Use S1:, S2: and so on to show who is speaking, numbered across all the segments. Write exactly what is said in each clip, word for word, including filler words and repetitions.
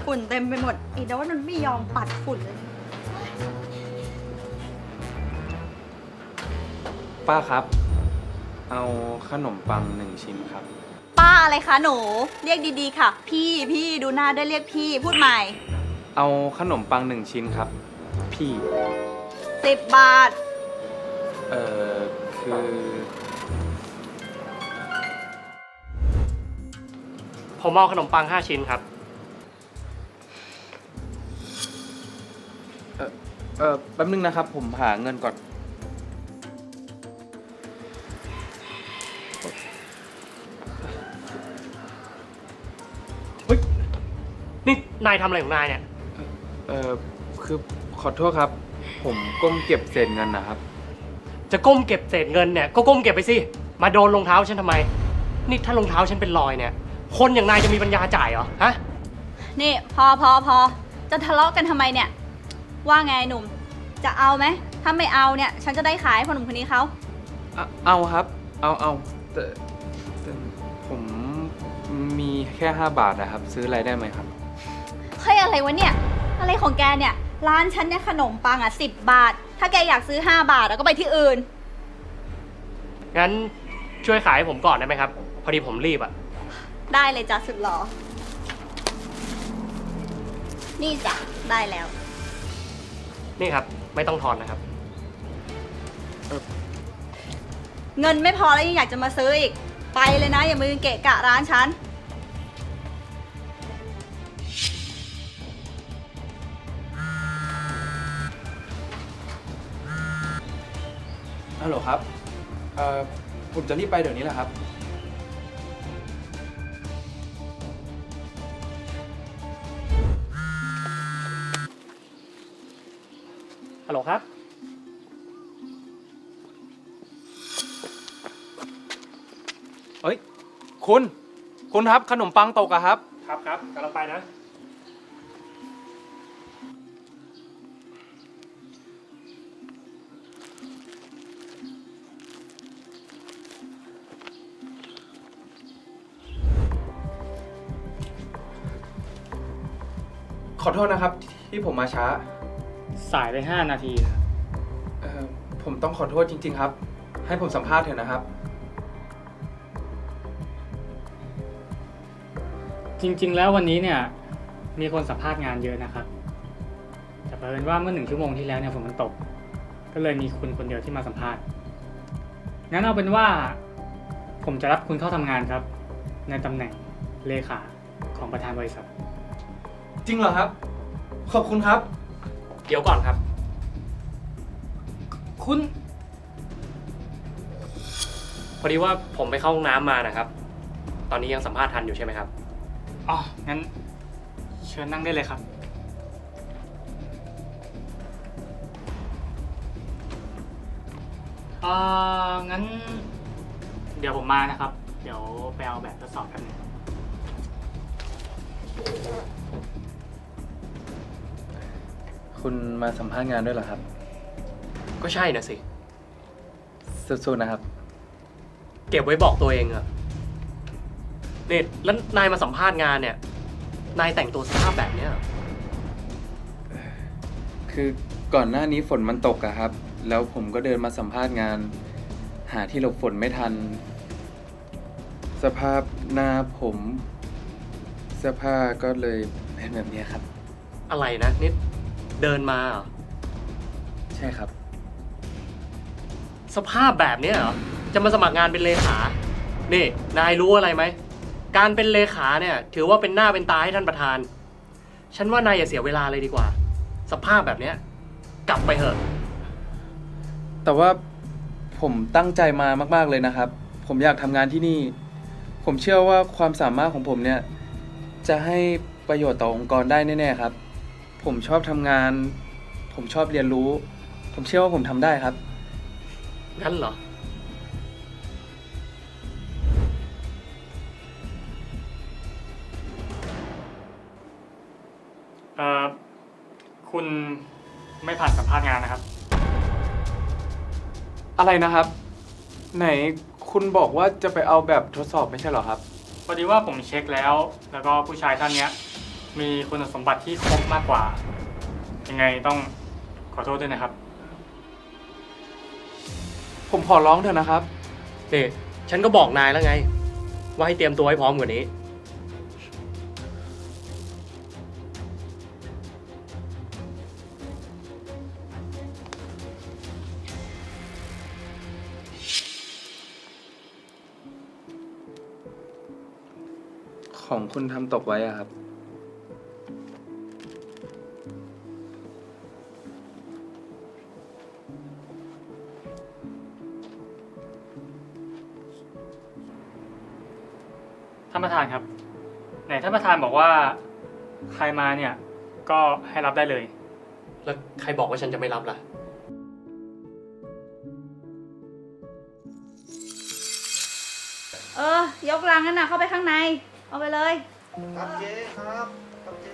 S1: ฝุ่นเต็มไปหมดไอ้โน้ตมันไม่ยอมปัดฝุ่นเลย
S2: ป้าครับเอาขนมปังหนึ่งชิ้นครับ
S1: ป้าอะไรคะหนูเรียกดีๆค่ะพี่พี่ดูหน้าได้เรียกพี่พูดใหม่
S2: เอาขนมปังหนึ่งชิ้นครับพี่
S1: สิบบาท
S2: เอ่อคือ
S3: ผมเอาขนมปังห้าชิ้นครับ
S2: เออเออแป๊บนึงนะครับผมหาเงินก่อน
S3: เฮ้ยนี่นายทำอะไรของนายเนี่ย
S2: เออคือขอโทษครับ ผมก้มเก็บเศษเงินนะครับ
S3: จะก้มเก็บเศษเงินเนี่ยก็ก้มเก็บไปสิมาโดนรองเท้าฉันทำไมนี่ถ้ารองเท้าฉันเป็นรอยเนี่ยคนอย่างนายจะมีปัญญาจ่ายเหรอฮะ
S1: นี่พอพอพอจะทะเลาะกันทำไมเนี่ยว่าไงหนุ่มจะเอาไหมถ้าไม่เอาเนี่ยฉันจะได้ขายให้พ่อหนุ่มคนนี้เขา
S2: เอาครับเอาเอาแต่แต่ผมมีแค่ห้าบาทนะครับซื้ออะไรได้ไหมครับ
S1: เฮ้ยอะไรวะเนี่ยอะไรของแกเนี่ยร้านฉันเนี่ยขนมปังอ่ะสิบบาทถ้าแกอยากซื้อห้าบาทแล้วก็ไปที่อื่น
S3: งั้นช่วยขายให้ผมก่อนได้ไหมครับพอดีผมรีบอ่ะ
S1: ได้เลยจ้ะสุดหล่อนี่จ้ะได้แล้ว
S3: นี่ครับไม่ต้องทอนนะครับ
S1: เงินไม่พอแล้วยังอยากจะมาซื้ออีกไปเลยนะอย่ามือเกะกะร้านฉัน
S2: ฮัลโหลครับเอ่อผมจะรีบไปเดี๋ยวนี้แหละครับ
S3: ฮัลโหลครับ
S2: เฮ้ยคุณคุณครับขนมปังตกอะครับ
S3: ครับครับกำลังไปนะ
S2: ขอโทษนะครับที่ผมมาช้า
S3: สายไปห้านาทีนะ
S2: เอ่อผมต้องขอโทษจริงๆครับให้ผมสัมภาษณ์เถอะนะครับ
S4: จริงๆแล้ววันนี้เนี่ยมีคนสัมภาษณ์งานเยอะนะครับแต่เผอิญว่าเมื่อหนึ่งชั่วโมงที่แล้วเนี่ยฝนมันตกก็เลยมีคุณคนเดียวที่มาสัมภาษณ์งั้นเอาเป็นว่าผมจะรับคุณเข้าทำงานครับในตำแหน่งเลขาของประธานบริษัท
S2: จริงเหรอครับขอบคุณครับ
S3: เดี๋ยวก่อนครับ
S4: คุณ
S3: พอดีว่าผมไปเข้าห้องน้ำมานะครับตอนนี้ยังสัมภาษณ์ทันอยู่ใช่ไหมครับ
S4: อ๋องั้นเชิญนั่งได้เลยครับเอ่องั้นเดี๋ยวผมมานะครับเดี๋ยวไปเอาแบบทดสอบกันนึง
S2: คุณมาสัมภาษณ์งานด้วยเหรอครับ
S3: ก็ใช่นะสิ
S2: สู้ๆนะครับ
S3: เก็บไว้บอกตัวเองอะเนี่ยแล้วนายมาสัมภาษณ์งานเนี่ยนายแต่งตัวสภาพแบบเนี้ย
S2: คือก่อนหน้านี้ฝนมันตกอะครับแล้วผมก็เดินมาสัมภาษณ์งานหาที่หลบฝนไม่ทันสภาพหน้าผมเสื้อผ้าก็เลยเป็นแบบนี้ครับ
S3: อะไรนะนี่เดินมาเหรอ
S2: ใช่ครับ
S3: สภาพแบบนี้เหรอจะมาสมัครงานเป็นเลขานี่นายรู้อะไรไหมการเป็นเลขาเนี่ยถือว่าเป็นหน้าเป็นตาให้ท่านประธานฉันว่านายอย่าเสียเวลาเลยดีกว่าสภาพแบบเนี้ยกลับไปเถอะ
S2: แต่ว่าผมตั้งใจมามากๆเลยนะครับผมอยากทำงานที่นี่ผมเชื่อว่าความสามารถของผมเนี่ยจะให้ประโยชน์ต่อองค์กรได้แน่ๆครับผมชอบทำงานผมชอบเรียนรู้ผมเชื่อว่าผมทำได้ครับ
S3: งั้นเหรอ
S4: เอ่อคุณไม่ผ่านสัมภาษณ์งานนะครับ
S2: อะไรนะครับไหนคุณบอกว่าจะไปเอาแบบทดสอบไม่ใช่เหรอครับ
S4: พอดีว่าผมเช็คแล้วแล้วก็ผู้ชายท่านเนี้ยมีคุณสมบัติที่ครบมากกว่า ยังไงต้องขอโทษด้วยนะครับ
S2: ผมขอร้องเถอะนะครับ
S3: นี่ฉันก็บอกนายแล้วไง ว่าให้เตรียมตัวให้พร้อมกว่านี้
S2: ของคุณทำตกไว้อะครับ
S4: ท่านประธานครับ ไหนท่านประธานบอกว่าใครมาเนี่ยก็ให้รับได้เลย
S3: แล้วใครบอกว่าฉันจะไม่รับล่ะ
S1: เออ ยกลังนั่นน่ะเข้าไปข้างใน เอาไปเลย
S5: ครับเจ๊ครับครับเจ๊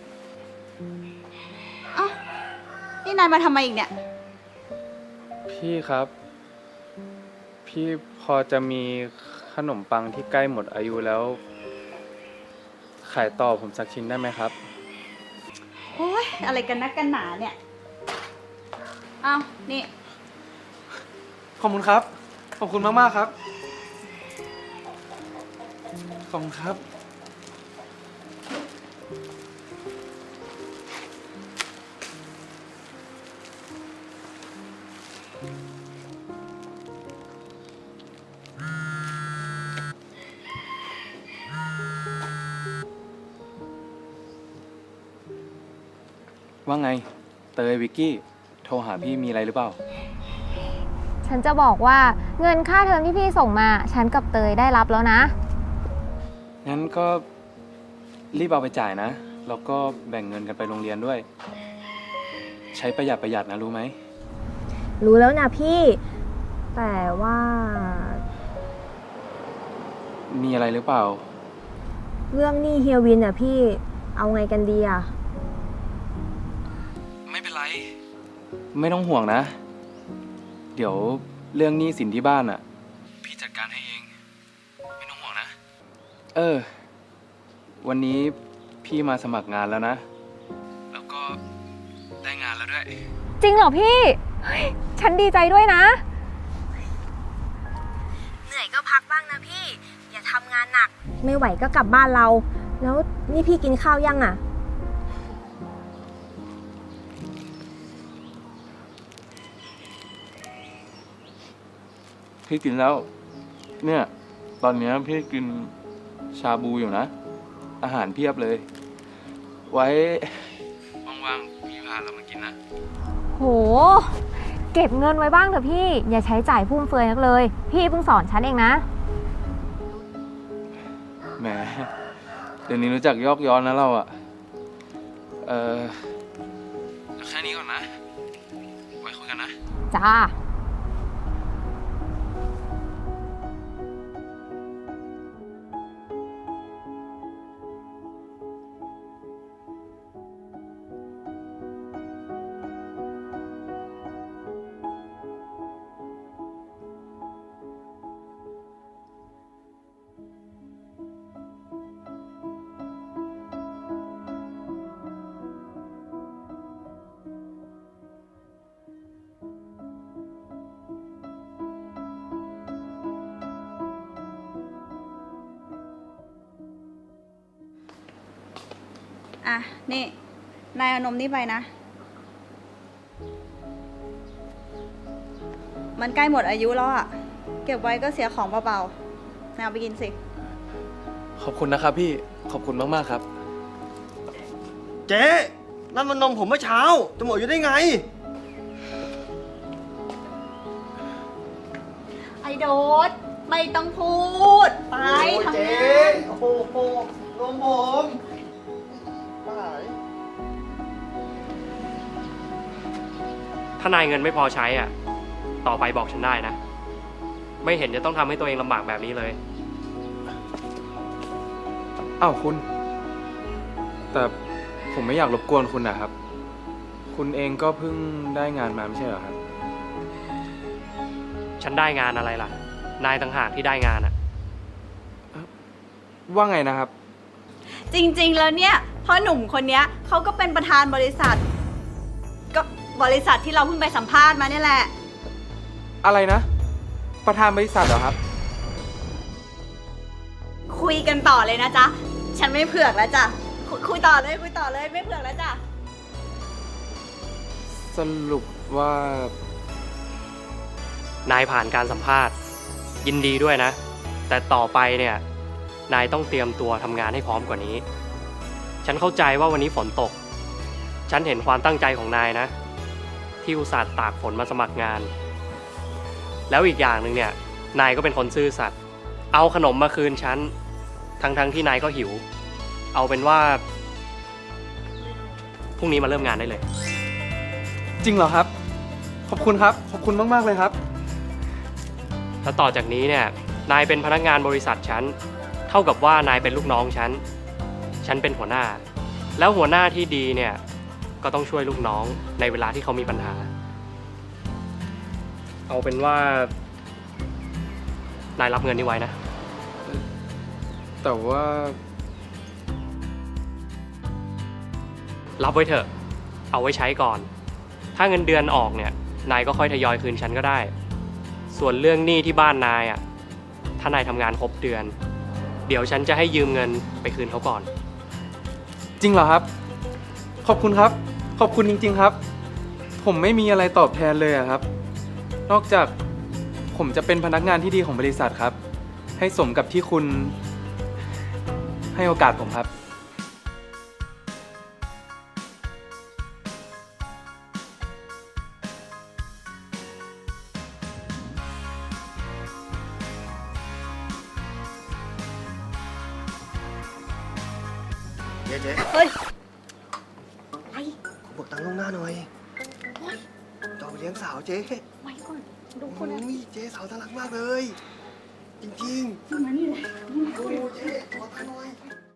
S1: เอ้านี่นายมาทำไมอีกเนี่ย
S2: พี่ครับ พี่พอจะมีขนมปังที่ใกล้หมดอายุแล้ว ขายต่อผมสักชิ้นได้ไหมครับ
S1: โอ้ยอะไรกันนักกันหนาเนี่ย เอานี่
S2: ขอบคุณครับ ขอบคุณมากๆครับ ขอบคุณครับ ว่าไง เตยวิกกี้ โทรหาพี่มีอะไรหรือเปล่า
S6: ฉันจะบอกว่าเงินค่าเทอมที่พี่ส่งมา ฉันกับเตยได้รับแล้วนะ
S2: งั้นก็รีบเอาไปจ่ายนะ แล้วก็แบ่งเงินกันไปโรงเรียนด้วย ใช้ประหยัดประหยัดนะรู้ไหม
S6: รู้แล้วนะพี่ แต่ว่า
S2: มีอะไรหรือเปล่า
S6: เรื่องหนี้เฮียวินอ่ะพี่ เอาไงกันดีอ่ะ
S2: ไม่เป็นไร ไม่ต้องห่วงนะ เดี๋ยวเรื่องหนี้สินที่บ้านอ่ะ พี่จัดการให้เอง ไม่ต้องห่วงนะ เออ วันนี้พี่มาสมัครงานแล้วนะ แล้วก็ได้งานแล้วด้วย
S6: จริงเหรอพี่เฮ้ยฉันดีใจด้วยนะ เหนื่อยก็พักบ้างนะพี่ อย่าทำงานหนัก ไม่ไหวก็กลับบ้านเรา แล้วนี่พี่กินข้าวยังอ่ะ
S2: พี่กินแล้ว เนี่ย ตอนนี้พี่กินชาบูอยู่นะ อาหารเพียบเลย ไว้ว่างๆพี่พาเรามากินนะ
S6: โห เก็บเงินไว้บ้างเถอะพี่ อย่าใช้จ่ายฟุ่มเฟือยนักเลย พี่เพิ่งสอนฉันเองนะ
S2: แหม เดี๋ยวนี้รู้จักยอกย้อนนะเราอะเออแค่นี้ก่อนนะ ไว้คุยกันนะ
S6: จ้า
S1: อ่ะ นี่ นายเอานมนี่ไปนะ มันใกล้หมดอายุแล้วอะเก็บไว้ก็เสียของเปล่าๆนายเอาไปกินสิ
S2: ขอบคุณนะครับพี่ ขอบคุณมากๆครับ
S5: เจ๊นั่นมันนมผมเมื่อเช้า จะหมดอยู่ได้ไง
S1: ไอโดดไม่ต้องพูด ไป
S5: โอ้
S1: ทำ
S5: เจ๊
S1: งาน
S5: โอ้โหโอ้โหนมผมตาย
S3: ถ้านายเงินไม่พอใช้อ่ะ ต่อไปบอกฉันได้นะ ไม่เห็นจะต้องทำให้ตัวเองลำบากแบบนี้เลย
S2: อ้าวคุณ แต่ผมไม่อยากรบกวนคุณนะครับ คุณเองก็เพิ่งได้งานมาไม่ใช่เหรอครับ
S3: ฉันได้งานอะไรล่ะ นายต่างหากที่ได้งานอ่ะ
S2: ว่าไงนะครับ
S1: จริงๆ แล้วเนี่ยเพราะหนุ่มคนเนี้ยเขาก็เป็นประธานบริษัท ก็บริษัทที่เราเพิ่งไปสัมภาษณ์มาเนี่ยแหละ
S2: อะไรนะ ประธานบริษัทเหรอครับ
S1: คุยกันต่อเลยนะจ๊ะ ฉันไม่เผือกแล้วจ้ะคุยคุยต่อเลยคุยต่อเลยไม่เผือกแล้วจ้ะ
S2: สรุปว่า
S3: นายผ่านการสัมภาษณ์ ยินดีด้วยนะ แต่ต่อไปเนี่ยนายต้องเตรียมตัวทำงานให้พร้อมกว่านี้ ฉันเข้าใจว่าวันนี้ฝนตก ฉันเห็นความตั้งใจของนายนะ ที่อุตส่าห์ตากฝนมาสมัครงาน แล้วอีกอย่างหนึ่งเนี่ยนายก็เป็นคนซื่อสัตย์เอาขนมมาคืนฉันทั้งๆ ทที่นายก็หิว เอาเป็นว่าพรุ่งนี้มาเริ่มงานได้เลย
S2: จริงเหรอครับ ขอบคุณครับ ขอบคุณมากๆเลยครับ
S3: แล้วต่อจากนี้เนี่ยนายเป็นพนักงานบริษัทฉันเท่ากับว่านายเป็นลูกน้องฉันฉันเป็นหัวหน้า แล้วหัวหน้าที่ดีเนี่ยก็ต้องช่วยลูกน้องในเวลาที่เขามีปัญหา เอาเป็นว่านายรับเงินนี้ไว้นะ
S2: แต่ว่า
S3: รับไว้เถอะเอาไว้ใช้ก่อน ถ้าเงินเดือนออกเนี่ยนายก็ค่อยทยอยคืนฉันก็ได้ ส่วนเรื่องหนี้ที่บ้านนายอ่ะถ้านายทำงานครบเดือนเดี๋ยวฉันจะให้ยืมเงินไปคืนเขาก่อน
S2: จริงเหรอครับ ขอบคุณครับ ขอบคุณจริงๆครับ ผมไม่มีอะไรตอบแทนเลยอะครับ นอกจากผมจะเป็นพนักงานที่ดีของบริษัทครับ ให้สมกับที่คุณให้โอกาสผมครับ
S5: เจ๊เจ๊
S1: เฮ้ย ไอ้
S5: ขอเบิกตังค์ล่วงหน้าหน่อยจะเอาไปเลี้ยงสาวเจ๊
S1: ไว้ก่อน ดูค
S5: โอ้
S1: นนั้น
S5: ยเจ๊สาวน่ารักมากเลย จริง
S1: มานี่เลย
S5: ๆดูเจ๊ขอตังค์หน่อย